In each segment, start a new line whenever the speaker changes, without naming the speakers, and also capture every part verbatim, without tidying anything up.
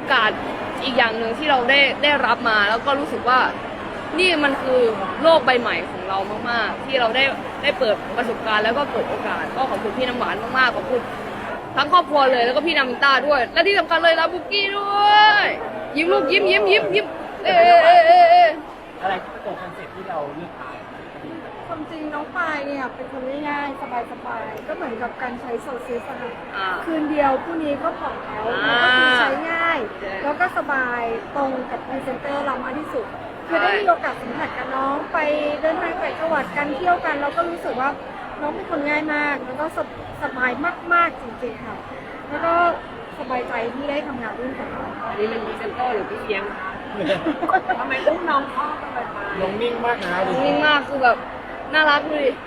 กาสอีกอย่างหนึ่งที่เราได้ได้รับมาแล้วก็รู้สึกว่านี่มันคือโลกใบใหม่ของเรามากๆที่เราได้ได้เปิดประสบการณ์แล้วก็เปิดโอกาสก็ขอบคุณพี่น้ำหวานมากๆขอบคุณทั้งครอบครัวเลยแล้วก็พี่นามินต้าด้วยและที่สำคัญเลยลาบุกี้ด้วยยิ้มลูกยิ้มยิ้มยิ้มยิ้มเออเออเออเออ
อะไรที่เป็นตัวคอนเซ็ปต์ที่เราเลือกถ่าย
ความจริงน้องปายเนี่ยเป็นคนง่ายๆสบายๆก็เหมือนกับการใช้โซซิสอะค่ะ
อ่า
คืนเดียวผู้นี้ก็ผ่องแล้ว
อ่า
ก็คือใช้ง่าย
ใช่
แล้วก็สบายตรงกับพรีเซนเตอร์เรามากที่สุดคือได้มีโอกาสสัมผัสกับน้องไปเดินทางไปจังหวัดกันเที่ยวกันเราก็รู้สึกว่าน้องเป็นคนง่ายมากแล้วก็สบสบายมากๆจริงๆค่ะแล้วก็สบายใจที่ได้ทำงานร่วมกับน้อง
อันนี้เป็นพรีเซนเตอร์หรือพี่เลี้ยงทำไมอุ้มน้องพ่อกันไปไป
ลงนิ่งมากนะดู
นิ่งมากคือแบบน่ารักดูดิ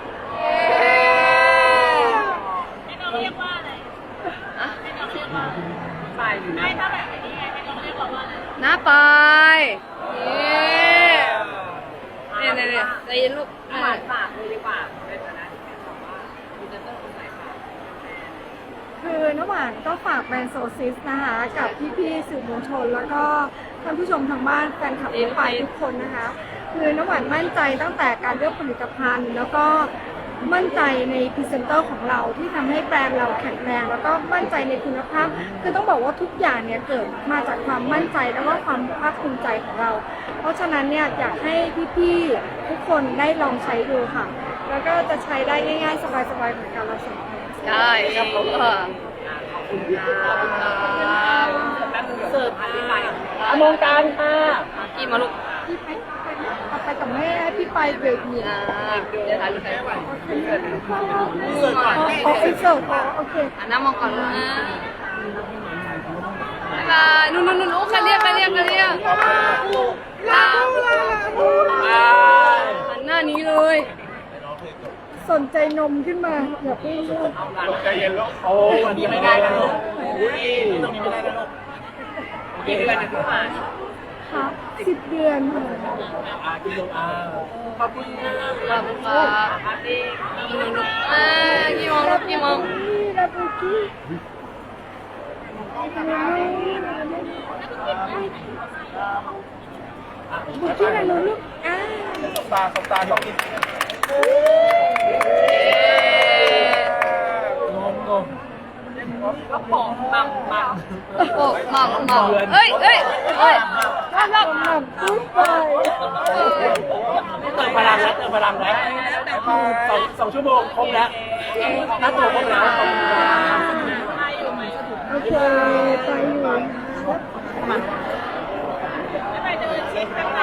ให้น้องเรียกว่าอะไรให้น้องเรียกว่าไปอยู่นะไม่ถ้าแบบนี้ไงให้น้องเรียกว่าอะไร
น้าปายเนี่ยเนี่ยเนี่ยใจเย็นลูก
หวานฝากเลยดีกว่าในฐานะที่เป็นแบบว่าพรีเซนเตอร์คนไหนฝาก
คือน้ำหวานก็ฝากแบรนด์โซซิสนะคะกับพี่ๆสื่อมวลชนแล้วก็ท่านผู้ชมทางบ้านแฟนคลับน้องปายทุกคนนะคะคือน้ำหวานมั่นใจตั้งแต่การเลือกผลิตภัณฑ์ แล้วก็มั่นใจในพรีเซนเตอร์ของเราที่ทำให้แบรนด์เราแข็งแรงแล้วก็มั่นใจในคุณภาพคือต้องบอกว่าทุกอย่างเนี่ยเกิดมาจากความมั่นใจแล้วก็ความภาคภูมิใจของเรา เพราะฉะนั้นเนี่ยอยากให้พี่ๆทุกคนได้ลองใช้ดูค่ะ แล้วก็จะใช้ได้ง่ายๆ สบายๆเหมือนกันเราสองคน
ใช่ครับผมเออ
ขอบคุณครับแป๊บนึงเสิร์ฟอันนี้ไป
อมงการค่ะ
กี่มาลูก
พี่ไปไปเอาไปกับแม่ให้พี่ไปเบรกเนี่ย
อ่าเดี๋ยวถ่ายรูปให้
เสิร์ฟก่อน
เอาไปเสิร์ฟอ๋อโอเค
อ่ะน้ำมองก่อนนะบ๊ายบายนู่นนู่นนู่นโอ้ใครเรียกใครเรียกใครเรียกลาหันหน้านี้เลย
สนใจนมขึ้นมาอย่าเพิ่งลูก
ใจเย็นลูกโอ้วันนี้ไม่ได้นะลูกอุ้ยตรงนี้ไม่ได้นะลูกโอเค
กี่เดือนนะพี่หวาน
ค่ะสิบเดือนค่ะ
อากิโลอาขอบคุณนะ
ขอบคุณครับ
ปาร์ตี้
นู่นนู่นนู่นอ่ากี่โมงลูกกี่โมง
นี่ลาบูกี้บุกี้นะลูกอ่า
สตาร์สตาร์ต้องกินงงงง
กระป๋องมัมมัม
โอ้หม่ำหม่ำเอ้ยเอ้ยเอ้ยรอบรอบ
หม่ำปุ๊บไป
เติมพลังแล้วเติมพลังแล้วสองสองชั่วโมงครบแล้วหน้าตัวครบแล้วขอบคุณครับ
โอเคไปอยู่
ไปเดินเช็คข้างใน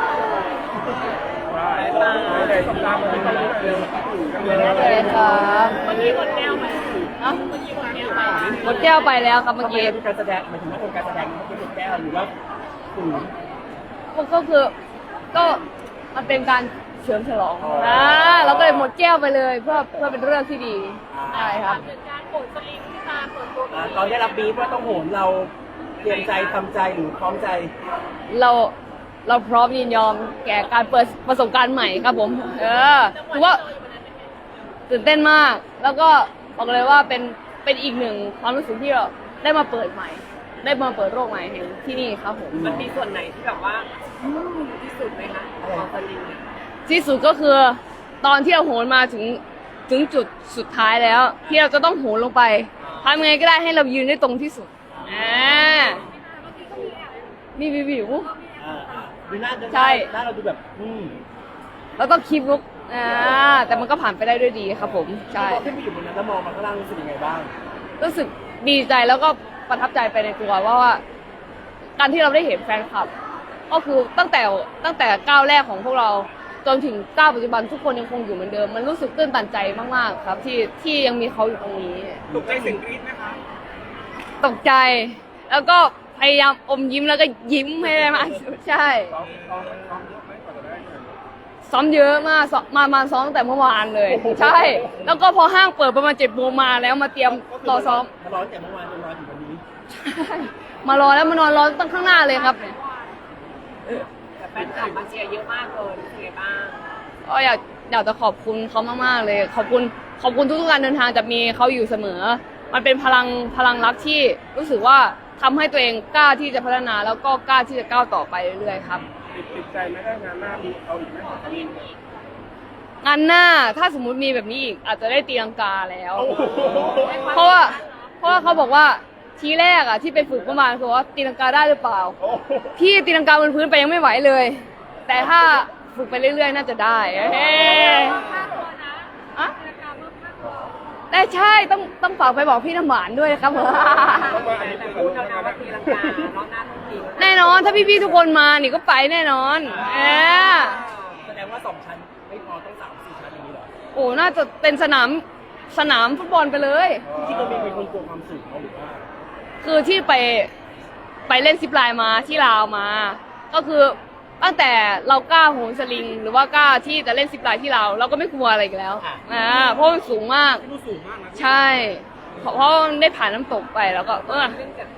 เลยสตาร์มันไม่ต้องเร็ว
เลยครับ
เมื่อกี้หมดแก้วไป
เอ้า
เมื่อกี้หมดแก้วไป
หมดแก้วไปแล้วครับเมื่อ
ทำไม
กี้
เป็นการแสดงหมายถึงว่าเป็นการแสดงเมื่อกี้เป็นแก้วหรือว่าฝืน
ก็คือก็มันเป็นการเฉลิมฉลองนะเราก็เลยหมดแก้วไปเลยเพื่อเพื่อเป็นเรื่องที่ดีใช่ครับ
เหมือนการโกดสลิงที่มาเปิดตัว
ตอนได้รับบีฟว่าต้องโหนเราเตรียมใจทำใจหรือพร้อมใจ
เราเราพร้อมยินยอมแก่การเปิดประสบการณ์ใหม่ครับผม เออถือว่าตื่นเต้นมาก แล้วก็บอกเลยว่าเป็นเป็นอีกหนึ่งความรู้สึกที่เราได้มาเปิดใหม่ ได้มาเปิดโลกใหม่แห่งที่นี่ครับผม
มันมีส่วนไหนที่แบบว่าอืมที่สุดไหมคะของสลิงเนี่ย
ที่สุดก็คือตอนที่เราโหนมาถึงถึงจุดสุดท้ายแล้ว ที่เราจะต้องโหนลงไปทำยังไงก็ได้ให้เรายืนได้ตรงที่สุดอ่ามีวิววิว
ดูหน้า
ใช่
หน้าเราดูแบบอืม
แล้วก็คลิปลุกอ่าแต่มันก็ผ่านไปได้ด้วยดีครับผมใช่
พอขึ้นไปอยู่บนนั้นแล้วมองมาข้างล่างรู้สึกยังไงบ้าง
รู้สึกดีใจแล้วก็ประทับใจไปในตัวว่าว่า การที่เราได้เห็นแฟนคลับ ก็คือตั้งแต่ตั้งแต่ก้าวแรกของพวกเราจนถึงก้าวปัจจุบันทุกคนยังคงอยู่เหมือนเดิม มันรู้สึกตื้นตันใจมากๆครับ ที่ที่ยังมีเขาอยู่ตรงนี้
ตกใจเสียงกรี๊ดไหมคะ
ตกใจ แล้วก็พยายามอมยิ้มแล้วก็ยิ้มให้ได้มากที่สุดใช่ซ้อมเยอะมากซ้อมมามาซ้อมตั้งแต่เมื่อวานเลย ใช่ แล้วก็พอห้างเปิดประมาณเจ็ดโมงมาแล้วมาเตรียมรอซ้อม
มารอแต่เมื่อวานจนรอถึงวันนี้
ใช่มารอแล้วมานอนรอตั้งข้างหน้าเลยครับ
แต่แฟนคลับมาเชียร์เยอะมากเลยรู้สึกไงบ้าง
ก็อยากอยากจะขอบคุณเขามากๆเลย ขอบคุณขอบคุณทุกๆการเดินทางจะมีเขาอยู่เสมอ มันเป็นพลังพลังรักที่รู้สึกว่าทำให้ตัวเองกล้าที่จะพัฒนาแล้วก็กล้าที่จะก้าวต่อไปเรื่อยๆครับ
ติดติดใจไหมได้งานหน้ามีเอาอีกไหม
งานหน้าถ้าสมมุติมีแบบนี้อีกอาจจะได้ตีลังกาแล้ว
โอ้โห
เพราะว่าเพราะว่าเขาบอกว่าทีแรกอะที่ไปฝึกประมาณคือว่าตีลังกาได้หรือเปล่า
โอ้โห
พี่ตีลังกาบนพื้นไปยังไม่ไหวเลย แต่ถ้าฝึกไปเรื่อยๆน่าจะได้เฮ้อะแต่ใช่ต้องต้องฝากไปบอกพี่น้ำหวานด้วยนะครับ
ต้องมาอันนี้เป็นพูดแล้วนะว่าตีลังกาเนาะหน้าต้องตี
แน่นอนถ้าพี่ๆทุกคนมานี่ก็ไปแน่นอนเออ
แสดงว่าสองชั้นไม่พอต้องสามสี่ชั้นอย่างนี้เหรอ
โอ้น่าจะเป็นสนามสนามฟุตบอลไปเลย
ที่เรามีเป็นคนกลัวความสูงหรือว่า
คือที่ไปไปเล่นซิปไลน์มาที่ลาวมา ก็คือตั้งแต่เรากล้าโหนสลิง หรือว่ากล้าที่จะเล่นซิปไลน์ที่ลาวเราก็ไม่กลัวอะไรอีกแล้วอ่าเพราะมันสูงมาก
ที่ดูสูงมากนะ
ใช่เพราะเพราะได้ผ่านน้ำตกไปแล้วก็เออ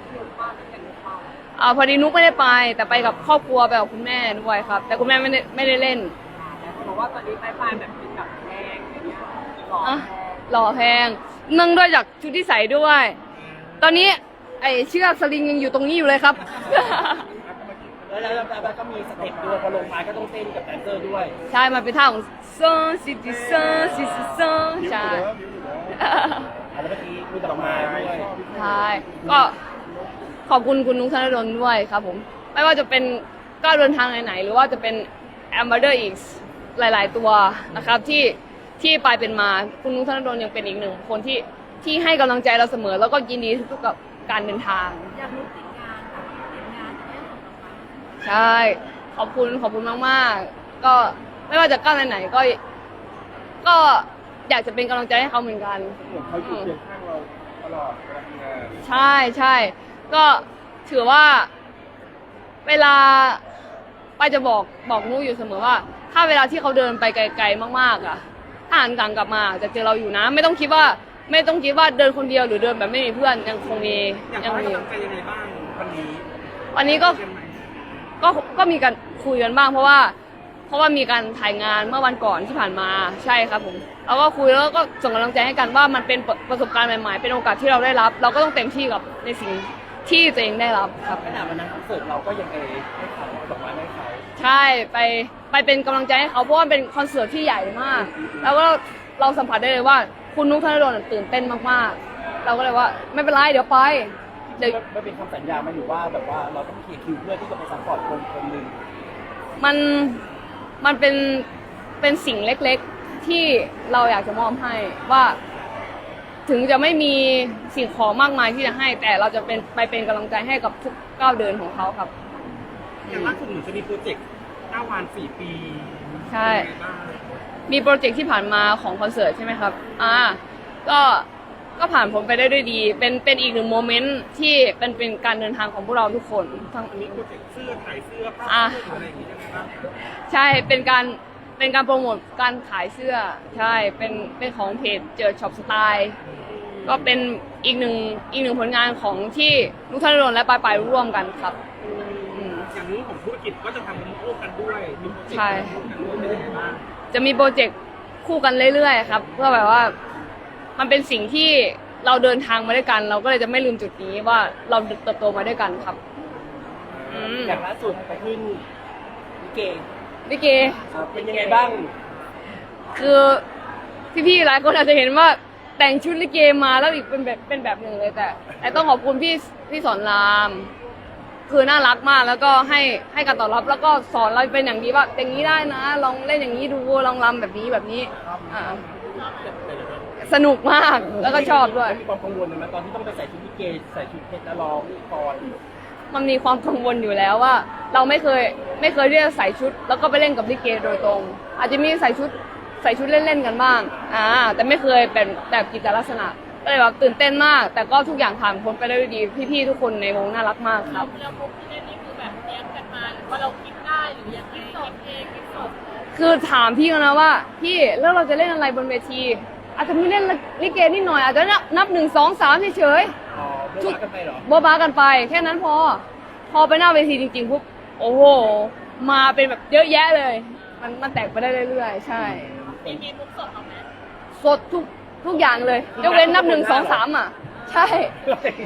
อ่าพอดีนุกไม่ได้ไป แต่ไปกับครอบครัวไปกับคุณแม่ด้วยครับ แต่คุณแม่ไม่ได้ไม่ได้เล่น
บอกว่าตอนนี้ไปไปแบบเป็นแบบแพงอย่างเงี้ยหล่อ
อ่ะหล่อแพงเนื่องด้วยจากชุดที่ใส่ด้วย ตอนนี้ไอเชือกสลิงยังอยู่ตรงนี้อยู่เลยครับ
แล้วแล้วแล้วก็มีสเต็ปด้วยพอลงมาก็ต้องเต้นกับแดนเซอร์ด้วย
ใช่มันเป็นท่าของซอนซิติซอนซิติซอนใช่
แล้วเมื่อกี้มีดอกไม้ด้วย
ใช่ก็ขอบคุณคุณนุ๊กธนดลด้วยครับผม ไม่ว่าจะเป็นก้าวเดินทางไหนๆหรือว่าจะเป็น Ambassador X หลายๆตัวนะครับที่ที่ไปเป็นมาคุณนุ๊กธนดลยังเป็นอีกหนึ่งคนที่ที่ให้กำลังใจเราเสมอ แล้วก็ยินดีทุกๆกับการเดินทาง
อยากรู้ติดงานค่ะติดงานจะได้ส่งกลับมา
ใช่ ขอบคุณขอบคุณมากๆ ก็ไม่ว่าจะก้าวไหนๆก็ ก็อยากจะเป็นกำลังใจให้เขาเหมือนกัน
เขาอยู่เคียงข้างเราตลอดเวลาทำงาน
ใช่ใช่ก็ถือว่าเวลาป้าจะบอกบอกนุ้ยอยู่เสมอว่า ถ้าเวลาที่เขาเดินไปไกลๆมากๆอ่ะถ้าหันกลังกลับมาจะเจอเราอยู่นะ ไม่ต้องคิดว่า ไม่ต้องคิดว่าเดินคนเดียวหรือเดินแบบไม่มีเพื่อนยังคงมี
อยาก
ยัง
ให้
มี
กำลังใจยังไงบ้างวันนี้
วันนี้ก็ก็ก็มีการคุยกันบ้าง เพราะว่า เพราะว่ามีการถ่ายงานเมื่อวันก่อนที่ผ่านมาใช่ครับผมเราก็คุยแล้วก็ส่งกำลังใจให้กันว่ามันเป็นประสบการณ์ใหม่ๆเป็นโอกาสที่เราได้รับ เราก็ต้องเต็มที่กับในสิ่งที่ตัวเองได้รับครับ
ขนาดวันนั้นคอนเสิร์ตเราก็ยังไปให้เขาดอกไม้ให้เขา
ใช่ไปไปเป็นกำลังใจให้เขาเพราะว่าเป็นคอนเสิร์ตที่ใหญ่มาก แล้วก็เราสัมผัสได้เลยว่าคุณนุ๊กธนดลตื่นเต้นมากๆ เราก็เลยว่าไม่เป็นไรเดี๋ยวไปเดี๋ยว
มันเป็นคำสัญญามาอยู่ว่าแบบว่าเราต้องเคลียร์คิวเพื่อที่จะไปซัพพอร์ตคนคนหนึ่ง
มันมันเป็นเป็นสิ่งเล็กๆที่เราอยากจะมอบให้ว่า ถึงจะไม่มีสิ่งของมากมายที่จะให้ แต่เราจะเป็นไปเป็นกำลังใจให้กับทุกก้าวเดินของเขาครับ
อย่างล่าสุดหนูจะมีโปรเจกต์เก้าวันสี่ปี
ใช่ มีโปรเจกต์ที่ผ่านมาของคอนเสิร์ตใช่ไหมครับ อ่า ก็ก็ผ่านผมไปได้ด้วยดี เป็นเป็นอีกหนึ่งโมเมนต์ที่เป็นเป็นการเดินทางของพวกเราทุกคนทั้ง
อันนี้โปรเจกต์เสื้อขายเสื้อผ้า
อ่ะ
เสื้ออะไรอย่างนี้ยังไงบ้าง
ใช่ เป็นการ เป็นการโปรโมทการขายเสื้อ ใช่ เป็น เป็นของเพจเจอช็อปสไตล์ ก็เป็นอีกหนึ่ง อีกหนึ่งผลงานของที่ลูกธนดลและปลายปลายร่วมกันครับอืม
อย่างนี้ของธุรกิจก็จะทำเป็นโอ้กันด้วยมีโปรเจกต์
ใช่
ร่วมกันด้วยเป็นยังไงบ้าง
จะมีโปรเจกต์คู่กันเรื่อยๆครับ เพื่อแบบว่า มันเป็นสิ่งที่เราเดินทางมาด้วยกัน เราก็เลยจะไม่ลืมจุดนี้ว่าเราเติบโตมาด้วยกันครับ อืม
อย่างล่าสุดไปขึ้นลิเก
ลิเก
เป็นยังไงบ้าง
คือพี่ๆหลายคนอาจจะเห็นว่าแต่งชุดลิเกมาแล้วอีกเป็นแบบเป็นแบบหนึ่งเลยแต่ แต่ต้องขอบคุณพี่พี่สอนราม คือน่ารักมากแล้วก็ให้ให้การตอบรับแล้วก็สอนเราเป็นอย่างดีว่าอย่างนี้ได้นะ ลองเล่นอย่างนี้ดูลองรำแบบนี้แบบนี้อ่าสนุกมากแล้วก็ชอบด้วย
มีความกังวลไหมตอนที่ต้องไปใส่ชุดลิเกใส่ชุดเพชรแล้วร้องกลอน
มันมีความกังวลอยู่แล้วว่า เราไม่เคยไม่เคยที่จะใส่ชุด แล้วก็ไปเล่นกับลิเกโดยตรง อาจจะมีใส่ชุดใส่ชุดเล่นๆกันบ้างอ่าแต่ไม่เคยเป็นแบบกิจลักษณะก็เลยแบบตื่นเต้นมาก แต่ก็ทุกอย่างผ่านพ้นไปได้ด้วยดีพี่ๆทุกคนในวงน่ารักมากครับ
แล้วมุกที่เล่นนี่คือแบบเตรียมกันมาหรือว่าเราคิดได้หรือยังไงคิดเองคิดสด
คือถามพี่กันนะว่าพี่แล้วเราจะเล่นอะไรบนเวทีอาจจะไม่เล่นลิเกนิดหน่อยอาจจะนับหนึ่งสองสามเฉย
อ๋อโบราณกันไปเหรอ
ๆโบ๊ะบ้ากันไปแค่นั้นพอ พอไปหน้าเวทีจริงๆปุ๊บโอ้โหมาเป็นแบบเยอะแยะเลย มันมันแตกไปได้เรื่อยๆใช่
มีมีมุกสดออกไหม
สดทุกทุกอย่างเลยยกเว้นนับหนึ่งสองสามอ่ะ ใช่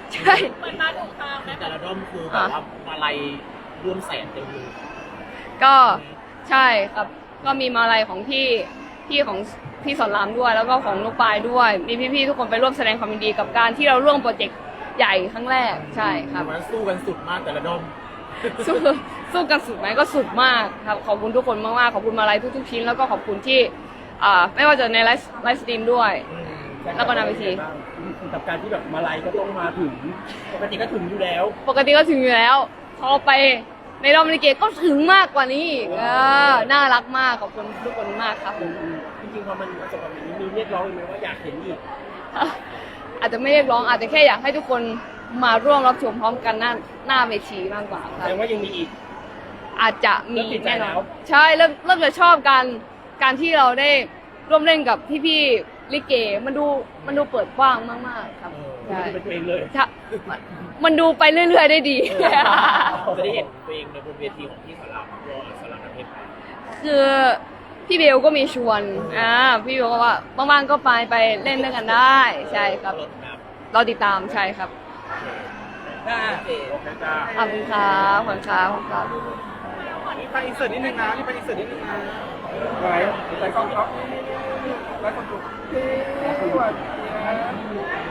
ใช่
เหมือนมาถูกทางไหม
แต่ละด้อมคือแบบว่ามาลัยร่วมแสนเต็มเลย
ก็ใช่ครับก็มีมาลัยของพี่พี่ของพี่สอนรามด้วย แล้วก็ของลูกปลายด้วย มีพี่ๆทุกคนไปร่วมแสดงความยินดีกับการที่เราร่วมโปรเจกต์ใหญ่ครั้งแรกใช่ครับ
มันสู้กันสุดมากแต่ละด้อม
สู้สู้กันสุดไหมก็สุดมากครับขอบคุณทุกคนมากๆขอบคุณมาลัยทุกๆชิ้นแล้วก็ขอบคุณที่อ่าไม่ว่าจะในไลฟ์ไลฟ์สตรีมด้วย แล้วก็หน้าเวที
กับการที่แบบมาลัยก็ต้องมาถึงปกติก็ถึงอยู่แล้ว
ปกติก็ถึงอยู่แล้วพอไปในรอบลิเกก็ถึงมากกว่านี้อีกเออน่ารักมากขอบคุณทุกคนมากครับผม
จริงๆพอมันประสบความสำเร็จมีเรียกร้องไหมว่าอยากเห็นอีก
อาจจะไม่เรียกร้องอาจจะแค่อยากให้ทุกคนมาร่วมรับชมพร้อมกันหน้าหน้าเวทีมากกว่าค
แส
รับ
ดงว่ายังมีอีก
อาจจะมี
เริ่มติดใจ
แน่นอ
แล้
น
ว
ใช่เริ่มเริ่มจะชอบการการที่เราได้ร่วมเล่นกับพี่ๆลิเกมันดูมันดูเปิดกว้างมากๆครับ
เออ
ใช่
เป็นตัวเองเลย
ใช่มันดูไปเรื่อยๆได้ดี
จะได้เห็นตัวเองในบนเวทีของพี่สอนรามตัวสอนรามน้ำเพชร
คือพี่เบลก็มีชวนอ่าพี่เบลก็ว่าว่างๆก็ไปไปเล่นด้วยกันได้ใช่ครับเราติดตามใช่ครับ
ได้โอเคจ้า
ขอบคุณครับขอบคุณครับขอบคุณครับ
นี่ไปอินเสิร์ตนิดนึงนะนี่ไปอินเสิร์ตนิดนึงนะไปไปกล้องครับไปคนดูสวัสดีนะ